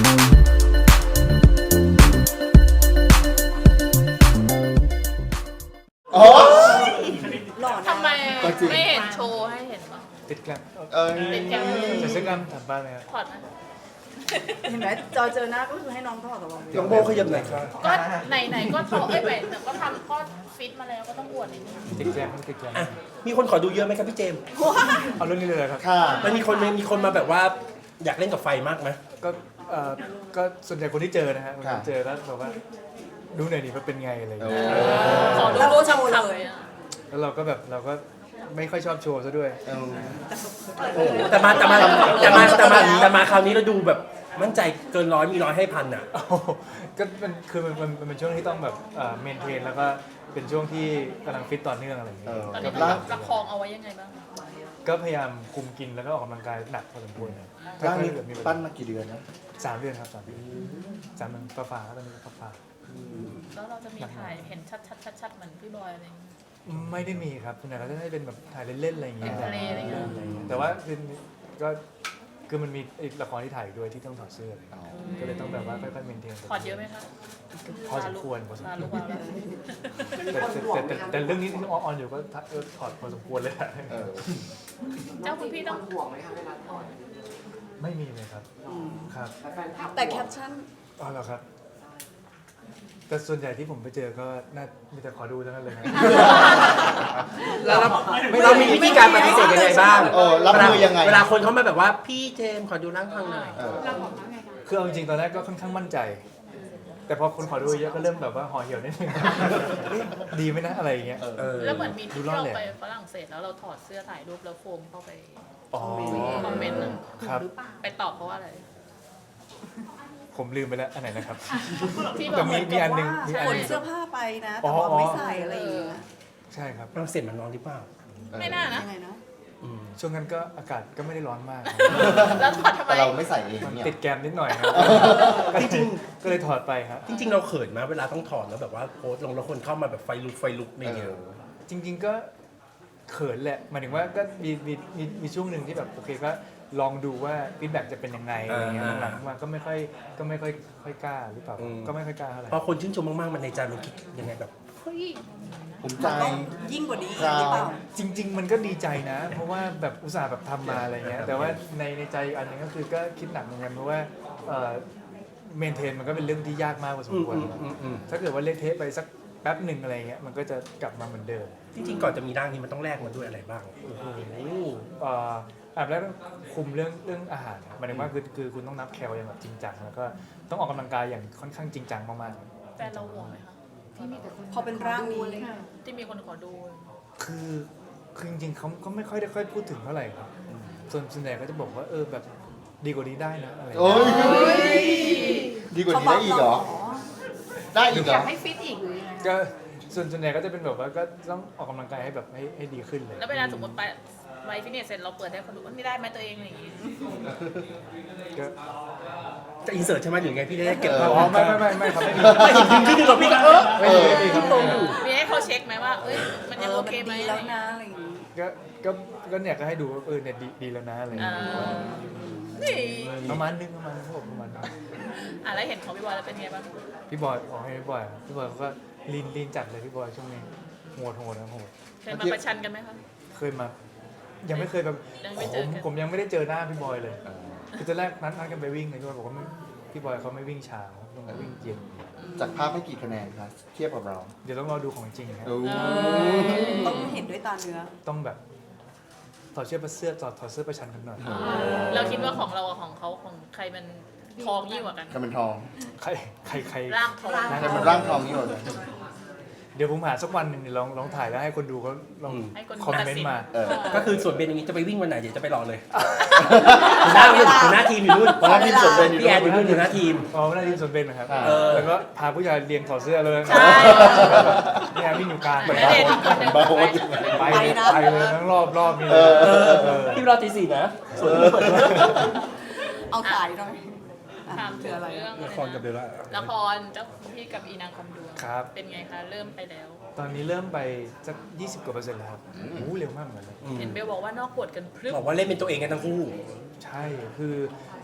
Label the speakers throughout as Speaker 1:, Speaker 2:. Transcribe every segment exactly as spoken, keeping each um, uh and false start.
Speaker 1: อ๋อ
Speaker 2: ทำไมไม่เห็นโชว์ให้เห็นบ้าง
Speaker 3: ติดกัน
Speaker 1: เออ
Speaker 2: ติดกัน
Speaker 3: จะซื้อกันถามบ้านเลยครับ
Speaker 2: ถอดไหม
Speaker 4: เห็นไหมจอเจอหน้าก็คือให้น้องถอดตลอด
Speaker 5: น้องโบขยับหน่อยครับ
Speaker 2: ก็ไหนไหนก็โชว์เอ้ยไหนแต่ก็ทำข้อฟิตมาแล้วก็ต้องอวดนิดนึง
Speaker 3: ติดแกรมติดแกรม
Speaker 5: อ่ะมีคนขอดูเยอะไหมครับพี่เจมส์
Speaker 3: เอาเรื่องนี้เลยครับ
Speaker 1: ค่ะ
Speaker 5: มันมีคนมีคนมาแบบว่าอยากเล่นกับไฟมากไหม
Speaker 3: ก็เอ่อก็ส่วนใหญ่คนที่เจอนะฮะคนที่เจอแล้วบอกว่าดูหน่อยดิว่าเป็นไงอะไรอย่างเงี้ย
Speaker 2: ขอดูรูปช้ำๆเลยอะ
Speaker 3: แล้วเราก็แบบเราก็ไม่ค่อยชอบโชว์ซะด้วย
Speaker 1: เออ
Speaker 5: โอ้แต่มาแต่มาแต่มาแต่มาแต่มาคราวนี้เราดูแบบมั่นใจเกินร้อยมีร้อยให้พันอ่ะ
Speaker 3: โอ้โหก็มันคือมันมันมันเป็นช่วงที่ต้องแบบเอ่อเมนเทนแล้วก็เป็นช่วงที่กำลังฟิตต่อเนื่องอะไรอย่างเงี้ย
Speaker 2: ตอน
Speaker 3: ก็
Speaker 2: นี้ต้องประคองเอาไว้ยังไงบ้าง
Speaker 3: ก็พยายามคุมกินแล้วก็ออกกำลังกายหนักพอสมควรนะถ้า
Speaker 1: ร่างนี้
Speaker 3: เกิดมีเวลา
Speaker 1: ปั้นมากี่เดือนนะ
Speaker 3: สามเดือนครับสามเดือนสามเดือนฟ้าๆตอนนี้ฟ้า
Speaker 2: แล้วเราจะมีถ่ายเห็นชัดๆๆๆเหมือนพี่บอยอะไรอย่างเงี้ย
Speaker 3: ๆไม่ได้มีครับส่วนใหญ่ก็จะได้เป็นแบบถ่ายเล่นๆอะไรอย่างเงี้ย
Speaker 2: ทะเลอะไรอย่างเงี้ย
Speaker 3: แต่ว่าคือก็คือมันมีอีกละครที่ถ่ายด้วยที่ต้องถอดเสื้อก็เลยต้องแบบว่าค่อยๆเมนเทน
Speaker 2: ถอดเยอะไหมคะ
Speaker 3: พอสมควรพอสม
Speaker 2: ลา
Speaker 3: ค
Speaker 2: ลู
Speaker 3: ว
Speaker 2: ก
Speaker 3: ร
Speaker 2: วาวแล้ว
Speaker 3: แต่แต่แต่แต่เรื่องนี้ที่ออนอยู่ก็เออถอดพอสมควรเลยอะ
Speaker 1: เออ
Speaker 2: เจ้าคุณพี่ต้อง
Speaker 6: ห่วงไหมคะเวลาถอด
Speaker 3: ไม่มีเลยครับครับ
Speaker 6: แฟนคลับ
Speaker 4: แต่แคปชั่น
Speaker 3: อ๋อเหรอครับ แต่ส่วนใหญ่ที่ผมไปเจอก็น่ามีแต่ขอดูทั้งนั้นเลยนะ
Speaker 5: เราเรามีวิธีการปฏิเสธยังไงบ้าง
Speaker 1: เออรับมือยังไง
Speaker 5: เวลาคนเขามาแบบว่าพี่เจมส์ขอดูร่างทางหน่อย
Speaker 1: เออ
Speaker 3: คือเอาจริงๆตอนแรกก็ค่อนข้างมั่นใจ แต่พอคนขอดูเยอะก็เริ่มแบบว่าห่อเหี่ยวนิดนึง เอ๊ะดีไหมนะอะไรอย่างเงี้ย
Speaker 5: เออ
Speaker 2: แล้วเหมือนมี
Speaker 3: ดู
Speaker 2: ที่
Speaker 3: รอด
Speaker 2: เรา
Speaker 3: เลย
Speaker 2: ไปฝรั่งเศสแล้วเราถอดเสื้อถ่ายรูปแล้วโฟมเข้าไป
Speaker 3: อ๋อ
Speaker 2: คอมเมนต์นึง
Speaker 3: ครับ
Speaker 2: ไปตอบเขาว่าอะไร
Speaker 3: ผมลืมไปแล้วอันไหนนะครับ
Speaker 2: ที่บ
Speaker 3: แต่
Speaker 2: อก
Speaker 3: มีมีอันหนึง
Speaker 4: ว่า
Speaker 3: มีอัน
Speaker 4: ข
Speaker 3: ห
Speaker 4: น
Speaker 3: นึง
Speaker 4: เสื้อผ้าไปนะ
Speaker 3: อ๋
Speaker 4: แต่
Speaker 3: อ
Speaker 4: ว่าไม่ใส่อะไรอย่างเงี้ย
Speaker 3: ใช่ครับ
Speaker 5: ฝรั่งเศสมันร้อนหรือเปล่า
Speaker 2: ไม่น่านะ
Speaker 4: ยังไงนะ
Speaker 5: อืม
Speaker 3: ช่วงนั้นก็อากาศก็ไม่ได้ร้อนมาก
Speaker 2: แล้วถอดทำไม
Speaker 1: แต่เราไม่ใส่เอง
Speaker 3: มัน
Speaker 1: เนี่ย
Speaker 3: ติดแกมนิดหน่อยครับ
Speaker 5: จริง
Speaker 3: ก็เลยถอดไปครับ
Speaker 5: จริง ๆ เราเขินไหมเวลาต้องถอดแล้วแบบว่าโพสต์ลงแล้วคนเข้ามาแบบไฟลุกไฟลุกอะไรอย่างเงี้ย
Speaker 3: จริงๆก็เขินแหละหมายถึงว่าก็มีมีมีมีช่วงหนึ่งที่แบบโอเคก็ลองดูว่าฟีดแบ็กจะเป็นยังไงอะไรเงี้ย
Speaker 5: อ่า
Speaker 3: หลังๆมาก็ไม่ค่อยก็ไม่ค่อยค่อยกล้าหรือเปล่า
Speaker 5: อืม
Speaker 3: ก็ไม่ค่อยกล้าเท่าไหร่
Speaker 5: พอคนชื่นชมมากๆมันในใจมันคิดยังไงแบบ
Speaker 2: เฮ้ย
Speaker 1: ผมใจ
Speaker 4: ต้องยิ่งกว่านี้
Speaker 1: ครับ
Speaker 4: หรือเปล่า
Speaker 3: จริง ๆ มันก็ดีใจนะ เพราะว่าแบบอุตส่าห์แบบทำมาอะไรเงี้ยแต่ว่าในในใจอีกอันหนึงก็คือก็คิดหนักเหมือนกันเพราะว่าเมนเทนมันก็เป็นเรื่องที่ยากมากพอสม
Speaker 5: อืม
Speaker 3: ควร
Speaker 5: อืมอืมอืม
Speaker 3: ถ้าเกิดว่าเละเทะไปสักแป๊บหนึ่งอะไรเงี้ยมันก็จะกลับมาเหมือนเดิม
Speaker 5: จริงๆก่อนจะมีร่างนี้มันต้องแลกมาด้วยอะไรบ้าง
Speaker 3: โอ้โหเอ่ออันแรกต้องคุมเรื่องเรื่องอาหารหมายถึงว่าคือคือคุณต้องนับแคลอย่างแบบจริงจังแล้วก็ต้องออกกำลังกายอย่างค่อนข้างจริงจังมาก
Speaker 2: แฟนเราห่วงไหมคะที่มีแต่คน
Speaker 4: พอเป็นร่างนี้
Speaker 2: ที่มีคนขอดู
Speaker 3: ๆคือคือจริงๆเขาก็ไม่ค่อยได้ค่อยพูดถึงเท่าไหร่ครับส่วนส่วนใหญ่ก็จะบอกว่าเออแบบดีกว่านี้ได้นะอะไรอย่าง
Speaker 1: โอ้
Speaker 3: เงี้ย
Speaker 1: ยดีกว่านี้ได้อีกเหรอ ได้อีกเหรอ
Speaker 2: ให้ฟิตอีกหรือยังไง
Speaker 3: ก็ส่วนส่วนใหญ่ก็จะเป็นแบบว่าก็ต้องออกกำลังกายให้แบบให้ให้ดีขึ้นเลย
Speaker 2: แล้วเวลาสมมติไปไปฟิตเนสเสร็จเราเปิดให้คนดูว่านี่ได้ไหมตัวเองอะไรอย่างงี้
Speaker 3: ก็
Speaker 5: จะอินเสิร์ตใช่ไหมหรือไงพี่ได้เก็บ
Speaker 1: เอ
Speaker 5: ภาพ
Speaker 3: อ๋อไม่ไม่ไม่ไม่ครับไม่มี
Speaker 5: ไม่เห็นจริงที่ดูกับพี่ก็เออ
Speaker 3: ไม่มีไม่มีครับไม่มี
Speaker 2: มีให้เขาเช็คไหมว่าเอ้ยมันยังโอเคไหม
Speaker 4: ดีแล้วนะอะไรอย่างงี้
Speaker 3: ก็ก็ก็เนี่ยก็ให้ดูว่าเออเนี่ยดีดีแล้วนะอะไรอย่าง
Speaker 2: อ่า
Speaker 3: เงี้ย
Speaker 2: นี่
Speaker 3: ประมาณนึงประมาณนึงครับผมประมาณนึง
Speaker 2: อ่ะแล้วเห็นของพี่บอยแล้วเป็นไงบ้าง
Speaker 3: พี่บอยอ๋อให้พี่บอยอะพี่บอยเขาก็ลีนลีนจัดเลยพี่บอยช่วงนี้โหดโหดนะโหด
Speaker 2: เคยมาประชันกันไหมคะ
Speaker 3: เคยมา ยังไม่เคยแบบ
Speaker 2: ยังไม่
Speaker 3: ผ
Speaker 2: เจอ
Speaker 3: ม
Speaker 2: กัน
Speaker 3: ผมยังไม่ได้เจอหน้าพี่บอยเลย คือตอนแรกนัดนัดกันไปวิ่งเลยพี่บอยบอกว่าไม่พี่บอยเขาไม่วิ่งเช้าต้องวิ่งเย็น
Speaker 1: จากภาพให้กี่คะแนนครับเทียบกับเรา
Speaker 3: เดี๋ยวต้องรอดูของจริงครับ
Speaker 1: โอ้
Speaker 4: ต้องเห็นด้วยตาเนื้อ
Speaker 3: ต้องแบบถอดเสื้อประเสื้อถอดถอดเสื้อประชันกันหน่อย
Speaker 2: เราคิดว่าของเรากับของเขาของใครมันทองยิ่งกว่ากัน
Speaker 1: ใครเป็นทอง
Speaker 3: ใครใครใคร
Speaker 2: ร่างทอง
Speaker 1: ใครเป็นร่างทองนี่หมดเลย
Speaker 3: เดี๋ยวผมหาสักวันหนึ่งเดี๋ยวลองลองถ่ายแล้วให้คนดูเขาลอง
Speaker 2: ให้คน
Speaker 3: คอม
Speaker 2: ตัด
Speaker 3: เมน
Speaker 2: สิน
Speaker 3: ต์มา
Speaker 1: เออ
Speaker 5: ก็คือส่วนเบนอย่างนี้จะไปวิ่งวันไหนเดี๋ยวจะไปรอเลยหัวหน้าหัวหน้าทีมอยู่นู่น
Speaker 1: หัวหน้าทีมส่วนเบนอยู่
Speaker 5: พี่แอนอ
Speaker 1: นู่
Speaker 5: ยู่
Speaker 1: น
Speaker 5: นู่นหัวหน้าทีม
Speaker 3: อ๋อไม่ได้ทีมส่วนเบนนะครับ
Speaker 1: อ่า
Speaker 5: เออ
Speaker 3: แล้วก็พาผู้ชายเรียงถอดเสื้อเลย
Speaker 2: ใช่
Speaker 3: เนี่ยวิ่งอยู่กลาง
Speaker 2: เหมือนณเดชน์อีกคนหนึ่ง
Speaker 1: บาโฮส
Speaker 3: ไปเลยไปเลยทั้งรอบรอบนี้เล
Speaker 1: เอย อ
Speaker 3: เออ
Speaker 5: พี่รอตีสี่นะส่วนนี้เปิด
Speaker 4: เอาขายหน่อย
Speaker 2: ถามถึงเรื่อง
Speaker 5: ละครกับเบลล่า
Speaker 2: ละครเจ้าพี่กับอีนางคำดวง
Speaker 3: ครับ
Speaker 2: เป็นไงคะเริ่มไปแล้ว
Speaker 3: ตอนนี้เริ่มไปสักยี่สิบกว่าเปอร์เซ็นต์แล้วครับโอ้โหเร็วมากเหมือนกันนะ
Speaker 2: เห็นเบลบอกว่านอกบทกันพรึบ
Speaker 5: บอกว่าเล่นเป็นตัวเองกันทั้งคู่
Speaker 3: ใช่ คือ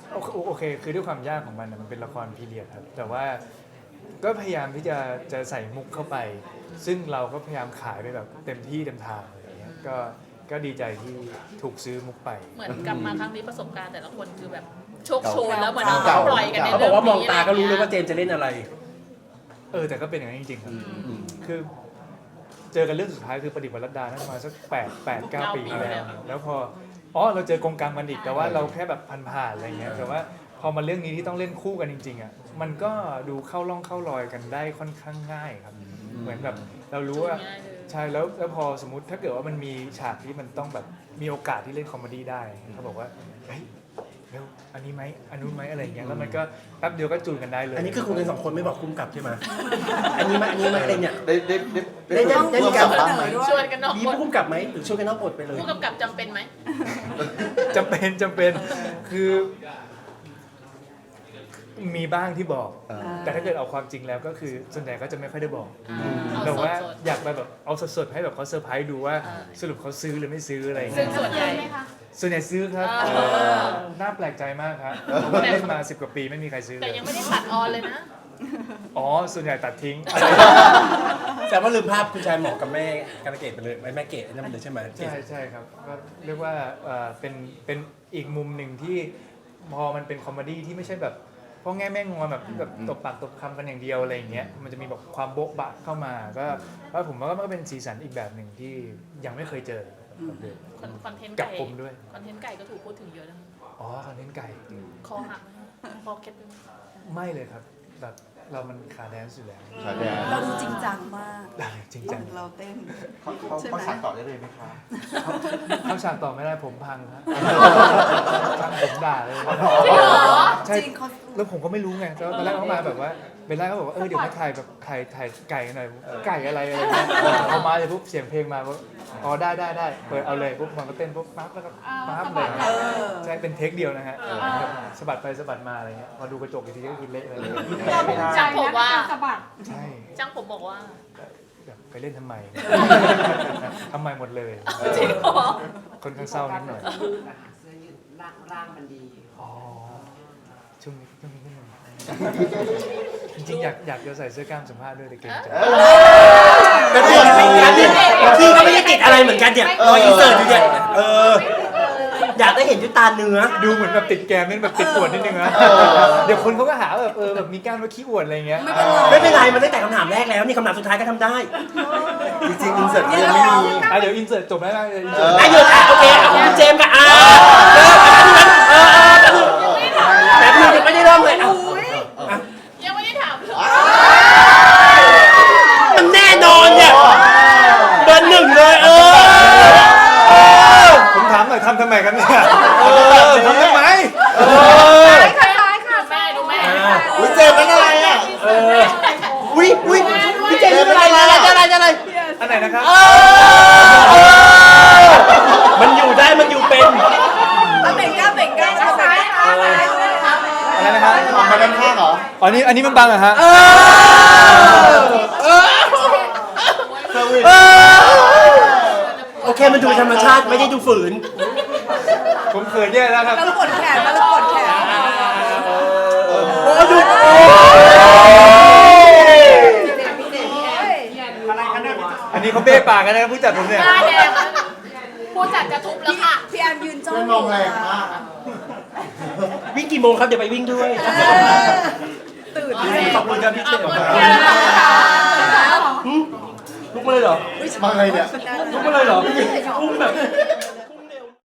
Speaker 3: โอเคโอเคคือด้วยความยากของมันนะมันเป็นละครพีเรียดครับแต่ว่าก็พยายามที่จะจะใส่มุกเข้าไป ซึ่งเราก็พยายามขายไปแบบเต็มที่เต็มทางอะไรอย่างเงี้ยก็ก็ดีใจที่ถูกซื้อมุกไป
Speaker 2: เหมือนกลับมาครั้งนี้ประสบการณ์แต่ละคนคือแบบโชคโชน
Speaker 1: เก่า
Speaker 2: แล้วเหมือน
Speaker 1: เก่า
Speaker 2: ปล่อยกันใน
Speaker 5: เขาบ
Speaker 2: เรื่
Speaker 5: อ
Speaker 2: อก ง
Speaker 5: ว่ามอง
Speaker 2: นี้
Speaker 5: ตาก็รู้เลย
Speaker 2: อะไร
Speaker 5: ว่าเจมส์จะเล่นอะไร
Speaker 3: เออแต่ก็เป็นอย่างนั้นจริงๆครับ
Speaker 1: อืม
Speaker 3: คือเจอกันเรื่องสุดท้ายคือประดิษฐ์วรรดานั่นมาสักแปดแปดเก้าปีแล้วแล้วพออ๋อเราเจอกงกรรมกันอีกแต่ว่าเราแค่แบบผ่านๆอะไรเงี้ยแต่ว่าพอมาเรื่องนี้ที่ต้องเล่นคู่กันจริงๆอ่ะมันก็ดูเข้าร่องเข้ารอยกันได้ค่อนข้างง่ายครับ เหมือนแบบเรารู้ว่า
Speaker 2: ง่ายเลย
Speaker 3: ใช่แล้วแล้วพอสมมติถ้าเกิดว่ามันมีฉากที่มันต้องแบบมีโอกาสที่เล่นคอมเมดี้ได้เขาบอกว่าเฮ้ยเร็วอันนี้ไหมอันนู้นไหมอะไรอย่างเงี้ยแล้วมันก็แป๊บเดียวก็จูนกันได้เลย
Speaker 5: อันนี้คือคุณกันสองคนไม่บอกคุ้มกับใช่ไหมอันนี้ไหมอันนี้ไหมอะไรเนี่ย
Speaker 1: ได้ได้ได้
Speaker 5: ได้ได้ได้มีการ
Speaker 1: ร่วมบ้างไหม
Speaker 2: ชวนกันนอก
Speaker 5: มี
Speaker 2: บท
Speaker 5: ผู้คุ้มกับไหมหรือช่วยกันนอกบทไปเลย
Speaker 2: ผู้กำกับจำเป็นไหม
Speaker 3: จำเป็นจำเป็นคือมีบ้างที่บอก
Speaker 1: เออ
Speaker 3: แต่ถ้าเกิดเอาความจริงแล้วก็คือส่วนใหญ่ก็จะไม่ค่อยได้บอก
Speaker 2: เอา
Speaker 3: แบบ
Speaker 2: ส
Speaker 3: ว่า
Speaker 2: ด
Speaker 3: อยากไปแบบเอาสดๆให้แบบเขาเซอร์ไพรส์ดูว่า
Speaker 2: เออ
Speaker 3: สรุปเขาซื้อหรือไม่ซื้ออะไรอย่าง
Speaker 2: ๆซึ่
Speaker 3: เงี้
Speaker 2: ง
Speaker 3: ย
Speaker 2: ส่วนใหญ่
Speaker 3: ส่วนใหญ่ซื้อครับ
Speaker 2: เออ
Speaker 3: น่าแปลกใจมากครับผมว่าเล่นมาสิบกว่าปีไม่มีใครซื้อเล
Speaker 2: แต่
Speaker 3: ย
Speaker 2: ยังไม่ได้ตัดออนเลยนะ
Speaker 3: อ๋อส่วนใหญ่ตัดทิ้ง
Speaker 5: แต่ว่าลืมภาพคุณชายหมอกกับแม่การะเกดไปเลยแม่เกดนั่นเลยใช่ไหม
Speaker 3: ใช่ใช่ครับก็เรียกว่าเอ่อเป็นเป็นอีกมุมหนึ่งที่พอมันเป็นคอมเมดี้ที่ไม่ใช่แบบพ่อแง่แม่งอนแบบแบบตบปากตบคำกันอย่างเดียวอะไรอย่างเงี้ยมันจะมีแบบความโบ๊ะบะเข้ามาก็ก็ผมว่ามันก็เป็นสีสันอีกแบบหนึ่งที่ยังไม่เคยเจอกับเด็ก
Speaker 2: คอนเทนต์
Speaker 3: กั
Speaker 2: ไก่
Speaker 3: บผมด้วย
Speaker 2: คอนเทนต์ไก่ก็ถูกพูดถึงเยอะนะ
Speaker 3: อ๋อคอนเทนต์ไก่
Speaker 2: คอหักไหมคอเคล็ดไหม
Speaker 3: ไม่เลยครับแบบเรามันขาแดนซ์อยู่แล้ว
Speaker 1: ขาแดน
Speaker 4: เราดูจริงจังมาก
Speaker 3: จริงจัง
Speaker 4: เราเต้น
Speaker 1: เขาเขา
Speaker 4: ใช่ไหม
Speaker 1: เขาสั่งต่อได้เลยไหมคะ
Speaker 3: เข้าฉากต่อไม่ได้ผมพังครับช่างผมด่าเลย
Speaker 2: จริงเหรอ
Speaker 3: ใช่
Speaker 4: จริงเขา
Speaker 3: แล้วผมก็ไม่รู้ไงแล้วตอนแรกเขามาแบบว่าเบลล่าก็บอกว่าเออเดี๋ยวมาถ่ายแบบถ่ายถ่ายไก่กันหน่อยไก่อะไรอะไรเงี้ยเอามาเลยปุ๊บเสียงเพลงมาปุ๊บอ๋อได้ได้ได้เปิดเอาเลยปุ๊บมันก็เต้นปุ๊บปั๊บแล้วก็ปั๊บเลย
Speaker 4: เออ
Speaker 3: ใช่เป็นเทคเดียวนะฮะสะบัดไปสะบัดมาอะไรเงี้ยพอดูกระจกอีกทีก็คือเละเลย
Speaker 2: จ้างผมว่า
Speaker 3: ใช่
Speaker 2: จ้างผมบอกว่า
Speaker 3: แบบไปเล่นทำไมทำไมหมดเลย
Speaker 2: จริงเหรอ
Speaker 3: คนข้างเศร้านิดหน่อย
Speaker 6: เสื้อยืดร่างร่างมันดี
Speaker 3: อ๋อช่วงนี้ช่วงนี้นิดหนึงจริงๆอยากอยากจะใส่เสื้อกล้ามสัมภาษณ์ด้วยแต่เกรงใจ
Speaker 1: เป็นเรื่อง
Speaker 5: ไม่
Speaker 1: ที่
Speaker 5: งั้นเนี่ยพี่ก็ไม่ได้ติดอะไรเหมือนกันเนี่ยรอยอินเสิร์ตอยู่เนี่ยเอออยากได้เห็นด้วยตาเนื้อ
Speaker 3: ดูเหมือนแบบติดแกมนี่แบบติดอวดนิดนึงนะเดี๋ยวคนเขาก็หาว่าแบบเออแบบมีกล้ามแล้วขี้อวดอะไรเงี้ย
Speaker 4: ไม่เป็นไร
Speaker 5: ไม่เป็นไรมันตั้งแต่คำถามแรกแล้วนี่คำถามสุดท้ายก็ทำได้
Speaker 1: จริงๆอินเสิร์ตยังไม่มี
Speaker 3: อ่ะเดี๋ยวอินเสิร์ตจบแล้วนะอิน
Speaker 1: เอ
Speaker 3: เสิร์
Speaker 1: อ
Speaker 3: ต
Speaker 5: อ่ะหยุดอ่ะโอเคอ่ะคุณเจมส์กับอ่าเออเออแต่พี่ยังไม่ได้เริ่มเลยอ่ะ
Speaker 2: ยังไม่ได้ถามเลย
Speaker 5: มันแน่นอนเนี่ยเบอร์หนึ่งเลยเออ
Speaker 3: ผมถามหน่อยทำทำไมกันเนี่ยเออทำทำไม
Speaker 5: เออ
Speaker 2: แม่ดูแม่
Speaker 1: อุ้ยเจมส์เป็นอะไรอ่ะ
Speaker 5: เออวิวิพี่เจมส์เป็นอะไรอะไรอะไรอะไร
Speaker 3: อันไหนนะครับ
Speaker 5: มันอยู่ได้มันอยู่เป็น
Speaker 4: เอาเบ่งกล้ามเบ่งกล้ามเอาเบ่งกล้าม
Speaker 3: อะไรนะครับ
Speaker 1: ออกมาด้านข้างเหรอ
Speaker 3: อ๋อนี่อันนี้มันบังเหรอฮะ
Speaker 1: เซอร์วิส
Speaker 5: โอเคมันดูธรรมชาติไม่ได้ดูฝืน
Speaker 3: ผมเขินแย่แล้วครับ
Speaker 4: แล้วกดแขนแล้วกดแขน
Speaker 5: โอ้ดูโอ้
Speaker 3: อันนี้เขาเบ้ปากกันนะผู้จัดผมเนี่ย
Speaker 2: หน้าแดงแล้วผู้จัดจะทุบแล้วค่ะ
Speaker 4: พี่แอมยืนจ้อง
Speaker 1: เพื่อนมองแรงมาก
Speaker 5: วิ่งกี่โมงครับเดี๋ยวไปวิ่งด้วย
Speaker 4: ตื่น
Speaker 5: ขอบคุณครับพี่เจมส์
Speaker 2: ขอบคุณค่ะ
Speaker 5: ลุกมาเลยเหรอ
Speaker 1: มาไงเนี่ย
Speaker 5: ลุกมาเลยเหรอพุ่งแบบ